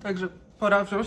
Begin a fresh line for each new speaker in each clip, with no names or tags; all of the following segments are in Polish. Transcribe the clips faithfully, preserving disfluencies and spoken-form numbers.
Także pora wziąć.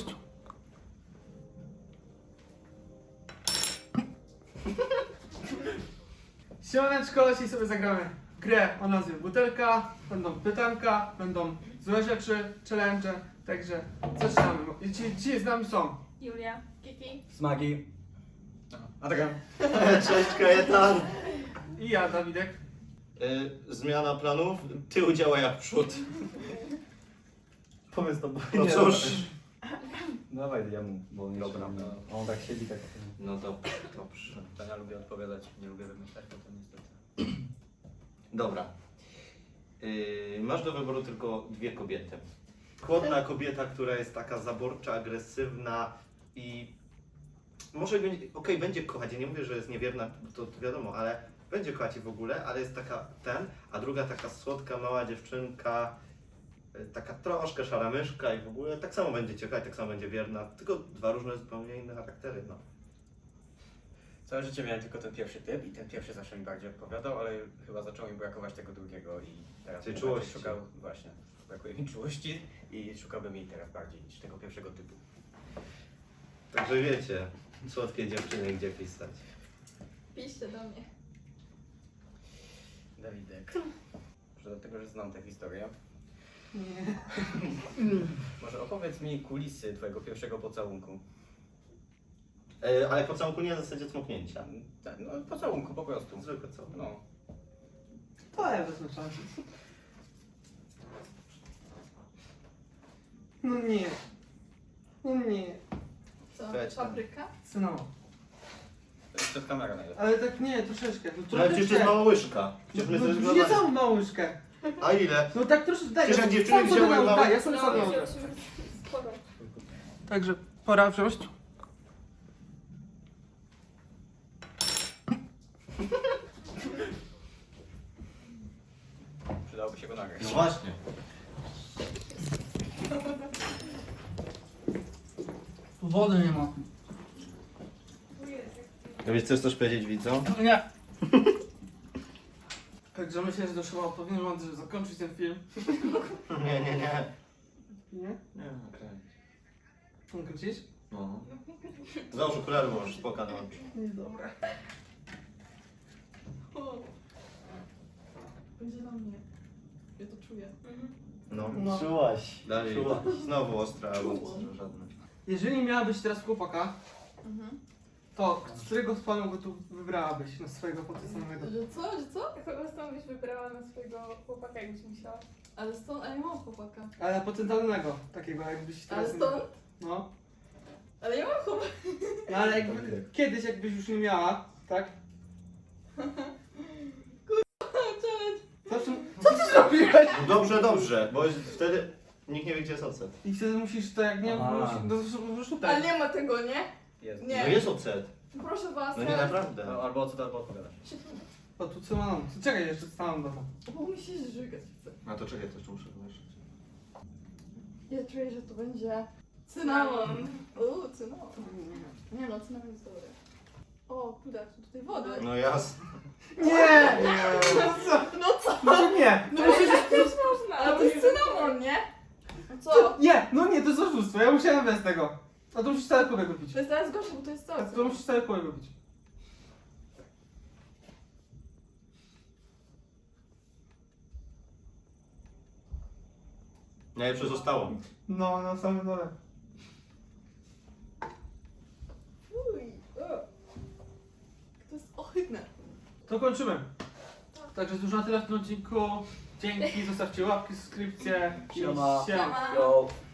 Siemaneczko, dzisiaj sobie zagramy grę o nazwie Butelka. Będą pytanka, będą złe rzeczy, challenge, także zaczynamy. Dzisiaj, dzisiaj z nami są
Julia, Kiki.
Smagi. A taka.
Cześć Kajetan.
i ja, Dawidek.
Y, zmiana planów, tył działa jak przód.
Powiedz to, bo
No
nie
cóż.
Dawaj, ja mu, bo on jeszcze
Dobra.
nie- On tak siedzi, tak.
No dobrze, dobrze.
To ja lubię odpowiadać, nie lubię wymyślać, bo to niestety.
Dobra. Y, masz do wyboru tylko dwie kobiety. Chłodna kobieta, która jest taka zaborcza, agresywna i może będzie, okej, będzie kochać, ja nie mówię, że jest niewierna, to, to wiadomo, ale będzie kochać i w ogóle, ale jest taka ten, a druga taka słodka, mała dziewczynka, y, taka troszkę szara myszka i w ogóle tak samo będzie cię kochać, tak samo będzie wierna, tylko dwa różne, zupełnie inne charaktery, no.
Całe życie miałem tylko ten pierwszy typ i ten pierwszy zawsze mi bardziej odpowiadał, ale chyba zaczął mi brakować tego drugiego i teraz
Tej
bym
czułości.
bardziej szukał, właśnie, brakuje mi czułości i szukałbym jej teraz bardziej niż tego pierwszego typu.
Także wiecie, słodkie dziewczyny, gdzie pisać.
Piszcie do mnie.
Dawidek. Może dlatego, że znam tę historię.
Nie.
Może opowiedz mi kulisy twojego pierwszego pocałunku.
E, ale pocałunku nie na zasadzie cmoknięcia.
Tak, no pocałunku po prostu.
Zwykle co?
No.
To ja wezmę szansę. No nie. No nie.
Co?
Weź tam.
Fabryka?
Cynamon.
To jest przed kamerą najlepiej.
Ale tak nie, troszeczkę. No,
No ale przecież to jest mała łyżka. Przecież my
no,
sobie
no, nie
zgadamy.
całą małą łyżkę.
A ile?
No tak troszeczkę, daj.
Przecież
ja
jak dziewczyny
sam sobie
wzięły
dam,
małe-
daj, ja sobie sam
No,
dam.
już, już, spoko.
Także pora wziąć.
Przydałoby się go nagrać.
No właśnie.
Wody nie ma.
Tu jest.
A wiesz, chcesz coś powiedzieć widzom?
Nie. Także myślę, że to chyba powinien mądrze zakończyć ten film.
Nie, nie, nie.
Nie?
Nie, okej.
Chcą kręcić?
No. Załóż okulary, bo masz spoka na oczy.
Nie, dobra.
O. Będzie do mnie. Ja to czuję.
No.
No.
Czułaś.
Dalej.
Czułaś.
Znowu ostra, albo
Czułam.
żadne.
Jeżeli miałabyś teraz chłopaka,
Mhm.
to z którego z panów go tu wybrałabyś na swojego potencjalnego?
Że co? Że co? Kogo stąd byś wybrała na swojego chłopaka, jakbyś musiała? Ale stąd, ale nie mam chłopaka.
Ale potencjalnego, takiego jakbyś teraz...
Ale stąd?
No.
Ale ja mam chłopaka.
No ale jakby, kiedyś jakbyś już nie miała, tak?
Challenge.
Zawsze... Co ty zrobiłeś?
No dobrze, dobrze, bo wtedy nikt nie wie, gdzie jest ocet.
I wtedy musisz to jak nie...
A.
musisz- No
Ale
szukaj.
nie ma tego, nie?
Jest.
Nie.
No jest ocet.
Proszę was.
No nie
teraz-
naprawdę.
No, albo co to, albo odpowiadasz.
O, tu co mam? Czekaj, jeszcze stanę do to.
Bo mi się żygać chce.
A to czekaj, to jeszcze muszę wymieszać.
Ja czuję, że to będzie cynamon. Uuu, cynamon. Nie no, cynamon jest dobry. O, kurde, są tutaj wody.
No jasne.
Nie!
No co?
No nie!
No przecież też można. Ale to jest cynamon, nie? No co?
Nie! No nie, to jest oszustwo, ja musiałem bez tego. A to musisz cały kubek wypić.
To jest teraz gorsze, bo to jest
A
co?
to musisz cały kubek wypić.
Najlepsze zostało.
No, na samym dole.
Uj, o. To jest ohydne.
To kończymy. Także to już na tyle w tym odcinku. Dzięki, zostawcie łapki, subskrypcje. i
Siema.
siema.
Siema.
Yo.